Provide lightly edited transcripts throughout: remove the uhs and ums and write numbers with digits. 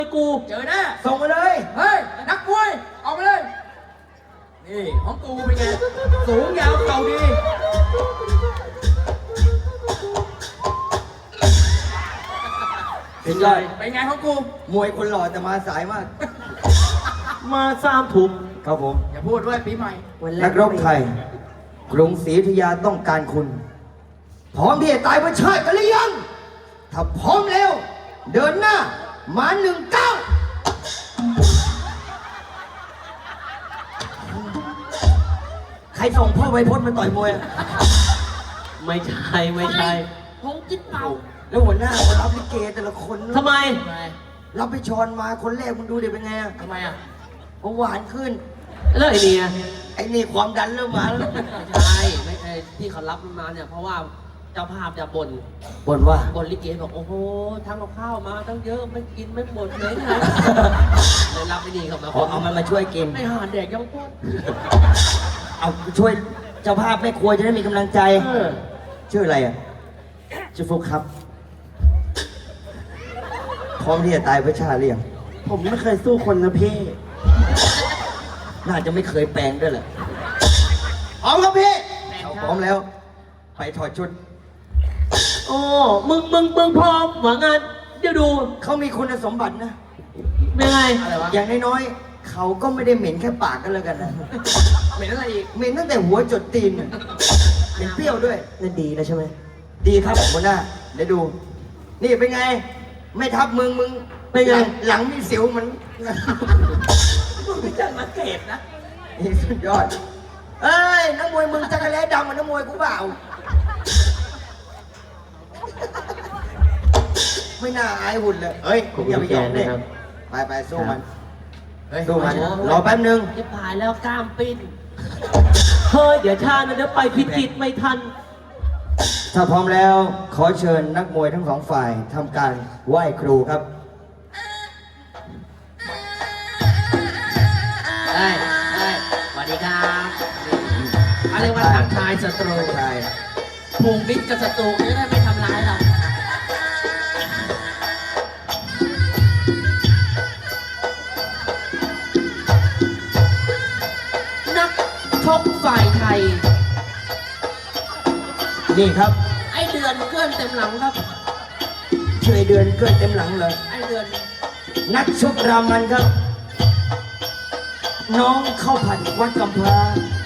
กูเจอแน่ส่งมาเลยเฮ้ยนักมวยออกมาเลยนี่ของกูเป็นไงสูงยาวเข่าดีเป็นไงเป็นไงของกูมวยคนหล่อแต่มาสายมากมา3 ทุ่มครับผมอย่าพูดด้วยปีใหม่นักรบไทยกรุงศรีอยุธยาต้องการคุณ พร้อมที่จะตายเพื่อชาติกันหรือยัง ถ้าพร้อมแล้ว เดินหน้ามา19ใครส่งพ่อไวพจน์มาต่อยมวยอะไม่ใช่พงจิ้นเป่าแล้วหัวหน้าคนรับลิเกแต่ละคนทำไมรับไปชอนมาคนแรกมึงดูเดี๋ยวเป็นไงอะทำไมอ่ะหวานขึ้นแล้วไอ้เนี่ยไอ้นี่ความดันเริ่มมาแล้วไม่ใช่ไม่ใช่ที่เขารับมาเนี่ยเพราะว่าเจ้าภาพจะบ่นบ่นว่าบ่นลิเกบอกโอ้โหทั้งกับข้าวมาตั้งเยอะไม่กินไม่หมดเลยนะเลยรับไม่ดีเขามาเอามันมาช่วยกินไม่หาแดกยังพูดเอาช่วยเจ้าภาพแม่ครัวจะได้มีกำลังใจ ชื่ออะไรอ่ะ ชื่อฟุกครับ พร้อมที่จะตายเพื่อชาติหรือยังผมไม่เคยสู้คนนะพี่น่าจะไม่เคยแปลงด้วยแหละพร้อมครับพี่พร้อมแล้ว ไปถอดชุดโอ้มึงพร้อมหวังงานเดี๋ยวดูเขามีคุณสมบัตินะเป็นไงอะไรวะอย่างน้อยๆ เขาก็ไม่ได้เหม็นแค่ปากกันแล้วกันนะเหม็นอะไรอีกเหม็นตั้งแต่หัวจดตีนน่ะเหม็นเปรี้ยวด้วยนั่นดีแล้วใช่ไหมดีครับหัวหน้าเดี๋ยวดู นี่เป็นไง ไม่ทับมึงเป็นไงหลังมีสิวมันมึงไม่จัดมาเก็บนะนี่สุดยอด เอ้ยนักมวยมึงจักรแล้ดำเหมือนนักมวยกูเปล่า ไม่น่าอายหุ่นเลย เฮ้ยอย่าไปยอมเลยไปสู้มันเฮ้ยสู้มัน รอแป๊บนึงที่ผ่านแล้วกล้ามปิ้นเฮ้ยเดี๋ยวชาตินะเดี๋ยวไปพิจิตรไม่ทันถ้าพร้อมแล้วขอเชิญนักมวยทั้งสองฝ่ายทำการไหว้ครูครับได้สวัสดีครับอะไรว่าทักทายศัตรูใช่ผูกมิตรกับศัตรูจะได้ไม่ทำร้ายเรานักชกฝ่ายไทยนี่ครับไอเดือนเกื้อนเต็มหลังครับช่วยเดือนเกินเต็มหลังเลยไอเดือนนักชกรามันครับ น้องเข้าผัดวัดกำพร้า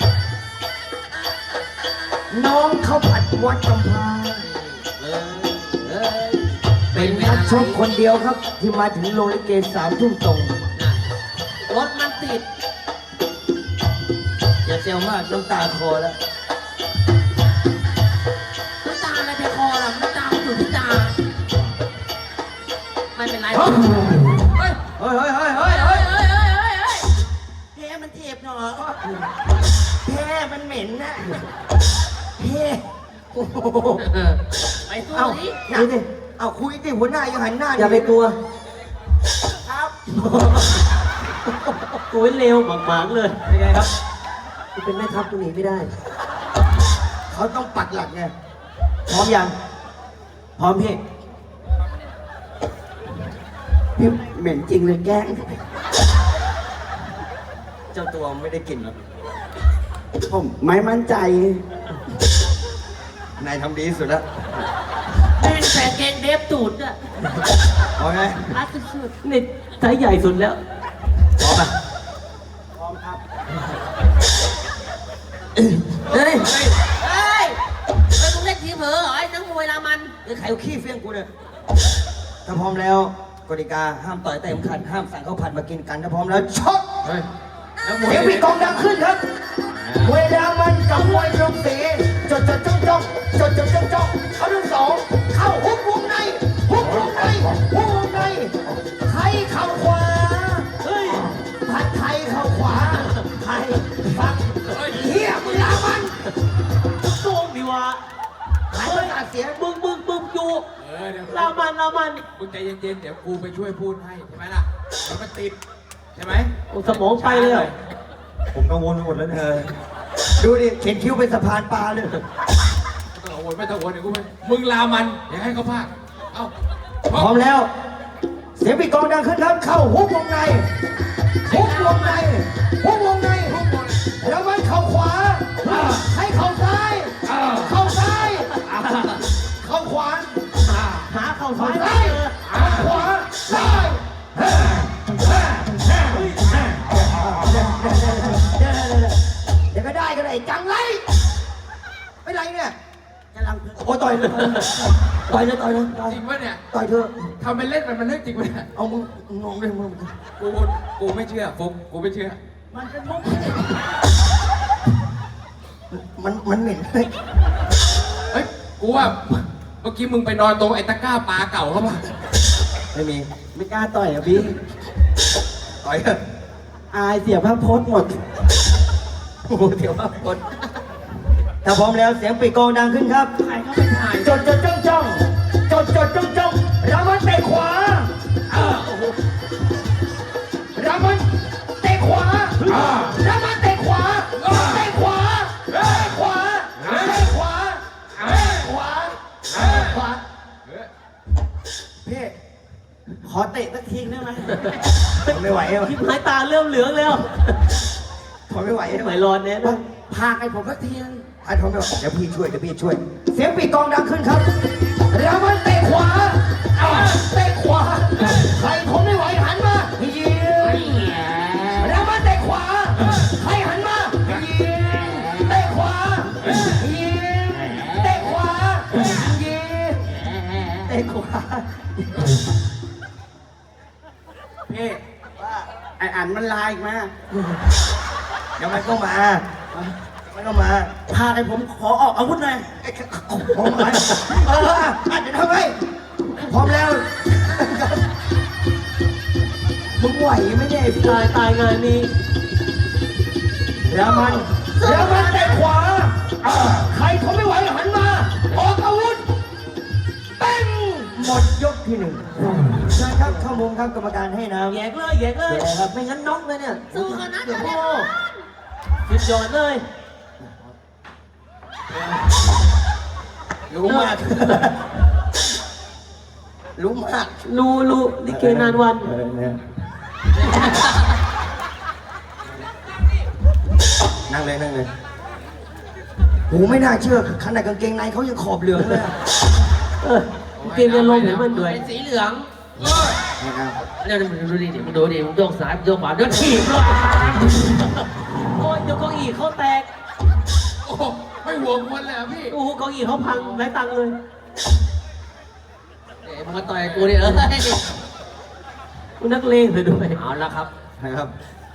น้องเข้าผัดวัดกำพร้าเออเป็นนักชกคนเดียวครับ ที่มาถึงโรงลิเก3 ทุ่มตรงรถมันติดอย่าเซลมากน้ำตาคอแล้วน้ำตาอะไรไปคอล่ะน้ำตาอยู่ที่ตา ไม่เป็นไรเฮ้ยเฮ้ยเฮ้ยเฮ้ยเฮ้ยแพ้มันเจ็บหนอแพ้มันเหม็นนะแพ้โอ้โหไปสู้เอ้าดิคุยดิเอาคุยดิหัวหน้ายังหันหน้าอย่าไปกลัวครับกูเร็วหมางๆเลยเป็นไงครับกูเป็นแม่ทัพกูหนีไม่ได้เขาต้องปักหลักไงพร้อมยัง พร้อมพี่ พี่เหม็นจริงเลยแกล้ง เจ้าตัวไม่ได้กลิ่นหรอกผมไม่มั่นใจนายทำดีที่สุดแล้วแม่งแฝงเกงเดฟตูดอะเอาไงรัดสุดนี่ไซส์ใหญ่สุดแล้วพร้อมป่ะเฮ้ยๆเฮ้ยมึงเล่นทีเผลอเหรอไอ้นักมวยรามันเอ้ยใครเอาขี้เฟี้ยงกูเนี่ยถ้าพร้อมแล้วกติกาห้ามต่อยเตะเข็มขัดห้ามสั่งข้าวผัดมากินกันถ้าพร้อมแล้วชกเฮ้ยนักมวยเสียงปีกองดังขึ้นครับมวยรามันกับมวยกรุงศรีจดจ้องเขาทั้งสองเข้าหุบวงในหุบวงในหุบวงในไทยเข่าขวาเฮ้ยผัดไทยเข่าขวาไทยฟักเฮียมวยรามันโกงดีวะหายประสาทเสียมึงอยู่เดี๋ยวรามันมึงใจเย็นๆเดี๋ยวกูไปช่วยพูดให้ใช่ไหมล่ะเดี๋ยวมันติดใช่ไหมโอ้สมองไปเลยเหรอผมกังวลไปหมดแล้วเนี่ยดูดิเข็นคิ้วเป็นสะพานปลาเลยไม่ต้องโวยเดี๋ยวกูไปมึงลามันอย่าให้เขาพลาดเอ้าพร้อมแล้วสียงปีกองดังขึ้นครับเข้าฮุกวงในฮุกวงในฮุกวงในแล้วมันเข่าขวาให้เข่าซ้ายเข่าซ้ายเข่าขวาหาเข่าเข่าซ้ายซ้ายเข่าขวาซ้ายเดี๋ยวก็ได้กันไอ้จังไรไม่ไรเนี่ยกำลังโอ้ต่อยเลยต่อยเลยต่อยเลยต่อยจริงปะเนี่ยต่อยเธอทำเป็นเล่นมันเรื่องจริงปะเนี่ยเอามึงงงเลยมึงกูไม่เชื่อฟุกกูไม่เชื่อมันเป็นมุกมันเหม็นเลยเฮ้ยกูว่าเมื่อกี้มึงไปนอนตรงไอ้ตะกร้าปลาเก่าเขาป่ะไม่มีไม่กล้าต่อยอ่ะพี่ต่อยเถอะอายเสียภาพพจน์หมดโอ้โหเดี๋ยวว่าคนถ้าพร้อมแล้วเสียงปีกองดังขึ้นครับใครเข้าไปถ่ายจดจ้องจ้องจดจ้องรามันเตะขวารามันเตะขวารามันเตะขวาเตะขวาเตะขวาเตะขวาเตะขวาเตะขวาพี่ขอเตะสักทีได้ไหมทนไม่ไหวแล้วทิพหายตาเริ่มเหลืองแล้วทนไม่ไหวไหมร้อนเนี่ยนะพาให้ผมสักทีนึงทนไม่ไหวเดี๋ยวพี่ช่วยเสียงปีกองดังขึ้นครับรามันเตะขวาเตะขวาใครทนไม่ไหวหันมายิงรามันเตะขวาใครหันมายิงเตะขวายิงเตะขวายิงเตะขวาพี่ไออันมันลายอีกมาเดี๋ยวมันก็มาพาไอผมขอออกอาวุธหน่อยพร้อมไหมอาจจะทำไมพร้อมแล้วมึงไหวไหมเนี่ยไอ้ตายงานนี้รามันเตะขวาใครทนไม่ไหวหันมาออกอาวุธเต้นหมดยกที่หนึ่งเชิญครับเข้ามุมครับกรรมการให้น้ำแยกเลยครับไม่งั้นน็อกเลยเนี่ยสู้กันนะเดี๋ยวเดี๋พ่ยวอสุดยอดเลยรู้มากรู้มากรู้ลิเกนานวันนั่งเลยโหไม่น่าเชื่อขนาดกางเกงในเขายังขอบเหลืองเลยอะลิเกเรียนลมเห็นมันด้วยเป็นสีเหลืองนะครับเนี่ยมึงดูดิมึงดูดิมึงโยกซ้ายมึงโยกขวาเดี๋ยวถีบเลยโอ้ยเดี๋ยวเก้าอี้เขาแตกโอ้โหไม่ห่วงคนเลยเหรอพี่โอ้โหเก้าอี้เขาพังไร้ตังค์เลยเอ้ยมึงมาต่อยกูดิดิคุณนักเลงเลยด้วยเอาละครับนะครับ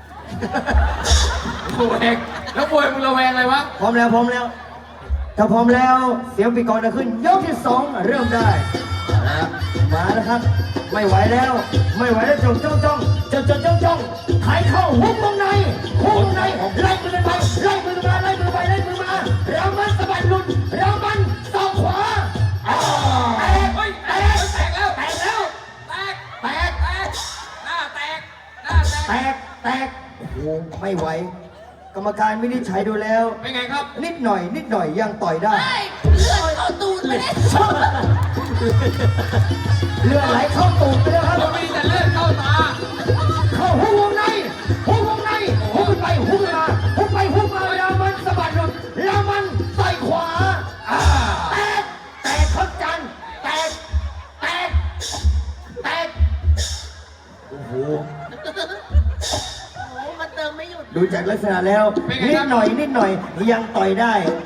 ระแวงแล้วบวยมึงระแวงอะไรวะพร้อมแล้วถ้าพร้อมแล้วเสียงปีกอนจะขึ้นยกที่สองเริ่มได้มาแล้วครับ ไม่ไหวแล้วจ้องใครเข้าฮุกวงในไล่มือไปไล่มือมาเรามันสะบัดหลุดเรามันศอกขวาแตกเฮ้ยแตแตกแล้วกแล้วแตกแตกหน้าแตกแตกโอ้โหไม่ไหว กรรมการวินิจฉัยดูแล้วเป็นไงครับนิดหน่อยยังต่อยได้เฮ้ยเลือดเข้าตูดเลยเลือดไหลเข้าตูดไปแล้วครับมันมีแต่เลือดเข้าตาเข้าฮุกวงในฮุกขึ้นไปฮุกมาแล้วมันสะบัดหลุดแล้วมันใส่ขวาแตกครับจันแตกโอ้โหโอ้มันเติมไม่หยุดดูจากลักษณะแล้วนิดหน่อยยังต่อยได้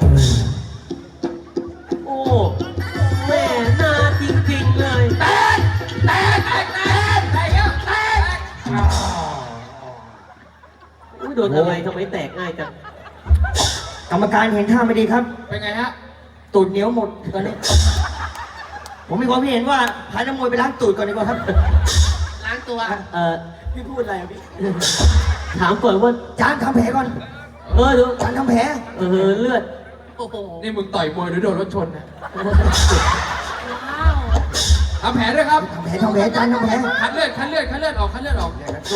โอ้แม่น่าจริงๆเลยแตกอุ้ยโดนอะไรทำไมแตกง่ายจังกรรมการเห็นท่าไม่ดีครับเป็นไงฮะตูดเหนียวหมดตอนนี้ ผมมีความเห็นว่าพานักมวยไปล้างตูดก่อนดีกว่าครับล้างตัวพี่พูดอะไรอะพี่ ถามก่อนว่าจานทำแผลก่อนดูจานทำแผลเลือดโอ้โหนี่มึงต่อยมวยหรือโดนรถชนนะว้าวทำแผลด้วยครับทำแผลจานทำแผลคัดเลือดออก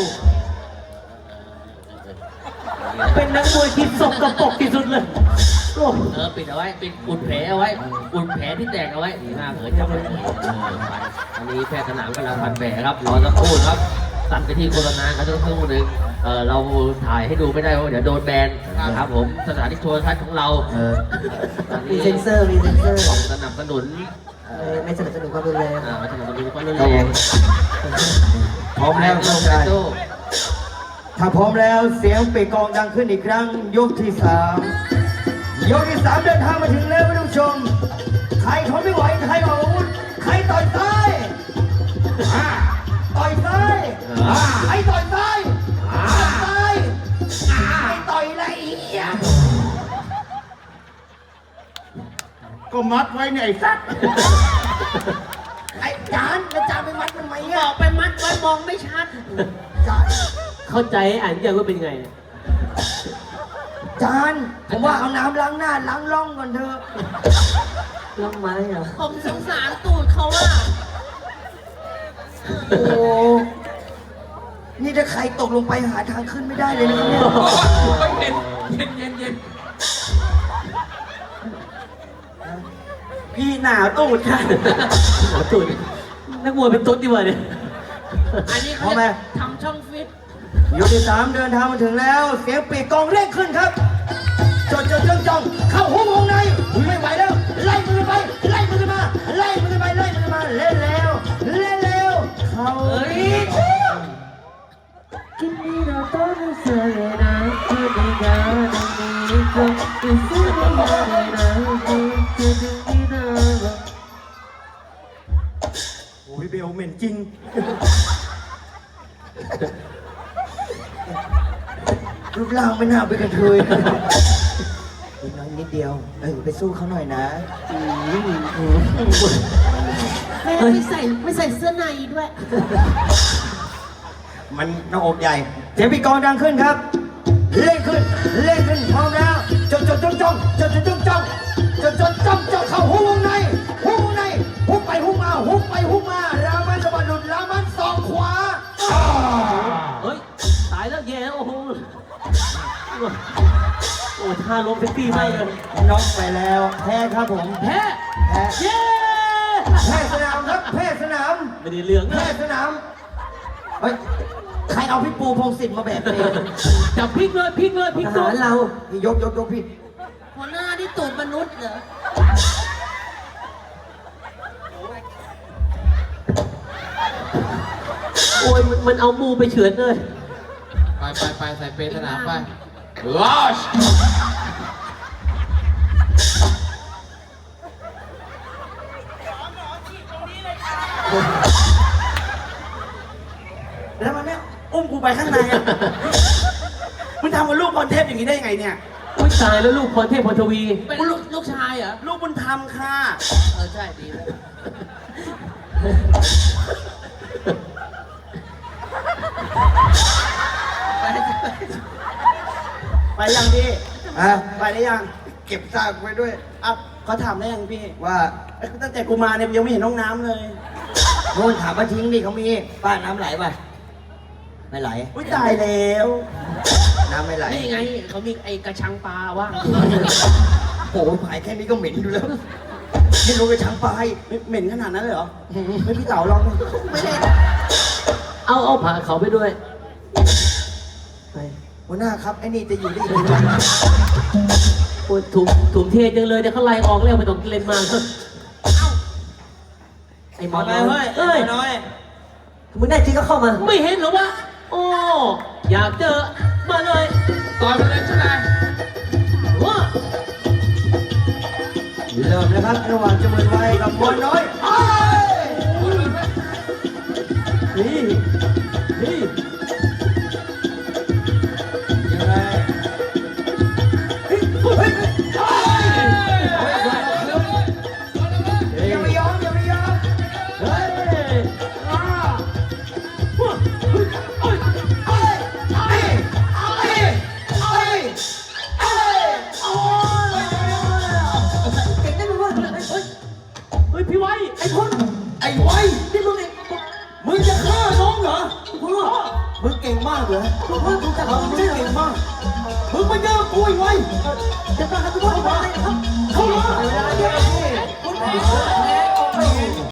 เป็นนักมวยที่สกปรกที่สุดเลยปิดเอาไว้ปิดอุ่นแผลเอาไว้อุ่นแผลที่แตกเอาไว้ดีมากเลยจับไว้ไปอันนี้แพทย์สนามกำลังพันแผลครับรอสักครู่ครับตัดไปที่โฆษณาครับสักครู่หนึ่งเราถ่ายให้ดูไม่ได้เพราะเดี๋ยวโดนแบนนะครับผมสถานีโทรทัศน์ของเราตอนมีนี้เซนเซอร์มีเซนเซอร์สนับสนุนไม่สนับสนุนความรุนแรงมาสนับสนุนความรุนคแรรับผมงพร้อมแล้วน้องชายถ้าพร้อมแล้วเสียงปีกกองดังขึ้นอีกครั้งยกที่ 3ยกที่ 3เดินทางมาถึงแล้วท่านผู้ชมใครทนไม่ไหวใครออกอาวุธใครต่อยซ้ายต่อยซ้ายใครต่อยซ้ายซ้ายใครต่อยละเอียดก็มัดไว้เนี่ยไอ้สัตว์ไอ้จานแล้วจานไปมัดมันไหมบอ่ะอกไปมัดไว้มองไม่ชัดจานเข้าใจอ่านยังว่าเป็นไงจานผมว่าเอาน้ำล้างหน้าล้างร่องก่อนเถอะล้างไม้เหรอผมสงสารตูดเขาอะโอ้นี่ถ้าใครตกลงไปหาทางขึ้นไม่ได้เลยนะเนี่ยเย็นพี่หนาวตูดค่ะหนาวตูดนักมวยเป็นตุ๊ดดีกว่าเนี่ยอันนี้เขาจะทำช่องฟิตยกที่ 3เดินทางมาถึงแล้วเสียงปีกกองเร่งขึ้นครับจดจ้องเข้าหุ้มวงในไม่ไหวแล้วไล่มือไปไล่มือมาไล่มือไปไล่มือมาเล่นแล้วเข้า โอ้ยเบลเหม็นจริง รูปร่างไม่น่าไปนกระเทยอีกน้อยนิดเดียวไปสู้เขาหน่อยนะแม่ไม่ใส่เสื้อในด้วยมันหน้าอกใหญ่เสียงปีกกองดังขึ้นครับเร่งขึ้นพร้อมแล้วจ้องเข้าหุ้มวงในหุ้มไปหุ้มมารามันสะบัดหลุดรามันศอกขวาเฮ้ย ตายแล้วแย่แล้วโอ้โห โอ้ท่าล้มเซ็กซี่มากเลยน็อกไปแล้วแพ้ครับผมแพ้ เย้แพ้สนามครับแพ้สนามไม่ได้เรื่องแพ้นะสนามเฮ้ยใครเอาพี่ปูพงศิษฐ์มาแบกเองจับพลิกเลยพลิกทตัวหารเรายกพี่หัวหน้าที่ตูดมนุษย์เหรอโอ้ยมันเอามูไปเฉือนเลยไปใส่เปรย์สนามไปลอชแล้วมันเนี่ยอุ้มกูไปข้างในอ่ะ มึงทำกับลูกพรเทพอย่างนี้ได้ยังไงเนี่ยอุ้ยตายแล้วลูกพรเทพพรทวีเป็นลูกชายเหรอลูกบุญธรรมค่ะใช่ดีเลยไปยังพี่อ่ะไปได้ยังเก็บซากไว้ด้วยอ่ะเขาถามได้ยังพี่ว่าตั้งแต่กูมาเนี่ยยังไม่เห็นน้องน้ำเลยโน่นถามมาทิ้งดิเขามีป้าน้ำไหลป่ะไม่ไหลอุ้ยตายแล้วน้ำไม่ไหลนี่ไงเขามีไอ้กระชังปลาว่างโอ้โหผายแค่นี้ก็เหม็นอยู่แล้วนี่รู้ไปช้างปลายเหม็นขนาดนั้นเลยเหรอไม่พี่เต๋าลองดิไม่ได้เอาผ่าเขาไปด้วยหัวหน้าครับไอ้นี่จะอยู่ได้อีกนานโอ้ยถุงเทจังเลยเดี๋ยวเขาไล่ออกแล้วไม่ต้องเล่นมากครับไอ้หมอไปน้อยเฮ้ยเอ้ยน้อยมึงได้จริงก็เข้ามาไม่เห็นเหรอวะ โอ้ อยากเจอ มาเลยต่อยไปเลยใช่ไหมว้าเริ่มนะครับระหว่างจมือไว้กับหมอน้อยเอ้ยนี่ยังไงเฮ้ยอย่าไปยอมอย่าไปยอมเฮ้ยเก่งได้ไหมวะเฮ้ย พี่ไว้ ไอ้คนไอ้ไว้นี่มึงจะฆ่าน้องเหรอมึงเก่งมากเหรอมึงเก่งมากมึงมาเจอกูไอ้ไว้จะต้องทำทุกคนไปครับเข้ามาเวลาเดียวพี่